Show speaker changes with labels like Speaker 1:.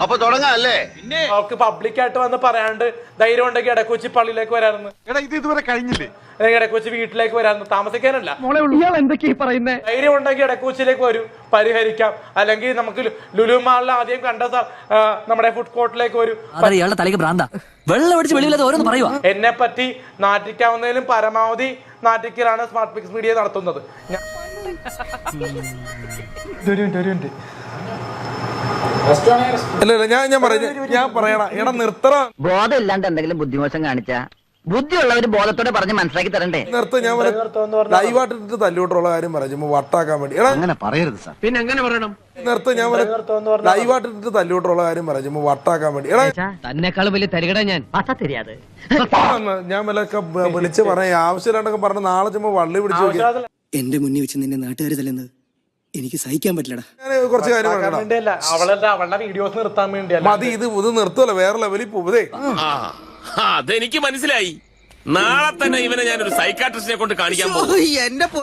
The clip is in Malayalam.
Speaker 1: അപ്പൊ തുടങ്ങാല്ലേ?
Speaker 2: അവർക്ക് പബ്ലിക്കായിട്ട് വന്ന് പറയാണ്ട് ധൈര്യം ഉണ്ടെങ്കിൽ ഇടക്കൊച്ചി പള്ളിയിലേക്ക് വരാറുണ്ട്.
Speaker 3: ഇത് ഇതുവരെ കഴിഞ്ഞില്ലേ?
Speaker 2: ഇടക്കൊച്ചി വീട്ടിലേക്ക് വരാറുണ്ട്, താമസിക്കാനല്ല.
Speaker 4: പറയുന്നത്
Speaker 2: ധൈര്യം ഉണ്ടെങ്കിൽ ഇടക്കൊച്ചിയിലേക്ക് വരും, പരിഹരിക്കാം. അല്ലെങ്കിൽ നമുക്ക് ലുലു മാളിൽ ആദ്യം കണ്ട നമ്മുടെ ഫുഡ് കോർട്ടിലേക്ക് വരും.
Speaker 5: തലയ്ക്ക് ഭ്രാന്ത വെള്ളം അടിച്ച് വെളിയില്ലാതെ ഓരോന്ന് പറയുക.
Speaker 2: എന്നെ പറ്റി നാട്ടിക്കാവുന്നതിലും പരമാവധി നാട്ടിക്കലാണ് സ്മാർട്ട് പിക്സ് മീഡിയ നടത്തുന്നത്.
Speaker 3: ഞാൻ പറയണം, എടാ നിർത്തറ.
Speaker 6: ബോധം ഇല്ലാണ്ട് എന്തെങ്കിലും ബുദ്ധിമോശം കാണിച്ചാ ബുദ്ധിയുള്ളവര് ബോധത്തോടെ പറഞ്ഞ് മനസ്സിലാക്കി തരണ്ടേ?
Speaker 3: ഞാൻ ലൈവായിട്ട് തല്ലോട്ടുള്ള കാര്യം പറഞ്ഞു വട്ടാക്കാൻ വേണ്ടി.
Speaker 4: അങ്ങനെ പറയരുത് സാർ. പിന്നെ എങ്ങനെ പറയണം?
Speaker 3: ഞാൻ ലൈവായിട്ട് തല്ലോട്ടുള്ള കാര്യം പറഞ്ഞു വട്ടാക്കാൻ വേണ്ടി.
Speaker 6: തന്നെക്കാളും വലിയ തരികട ഞാൻ തരിയാതെ
Speaker 3: ഞാൻ വിലൊക്കെ വിളിച്ച് പറയാ ആവശ്യമില്ലാണ്ടൊക്കെ പറഞ്ഞ നാളെ ചുമ്മാ വള്ളി പിടിച്ചു.
Speaker 5: എന്റെ മുന്നിൽ വെച്ച് നിന്നെ നാട്ടുകാർ തല്ലുന്നത് എനിക്ക് സഹിക്കാൻ പറ്റില്ലടാ.
Speaker 3: ഞാൻ കുറച്ച് കാര്യം
Speaker 2: അവളുടെ വീഡിയോസ് നിർത്താൻ വേണ്ടിയല്ല.
Speaker 3: മതി, ഇത് നിർത്തുമല്ലോ, വേറെ ലെവലിൽ പോവതേ.
Speaker 7: അതെനിക്ക് മനസ്സിലായി. നാളെ തന്നെ ഇവനെ ഞാനൊരു സൈക്കാട്രിസ്റ്റിനെ കൊണ്ട് കാണിക്കാൻ പോകും.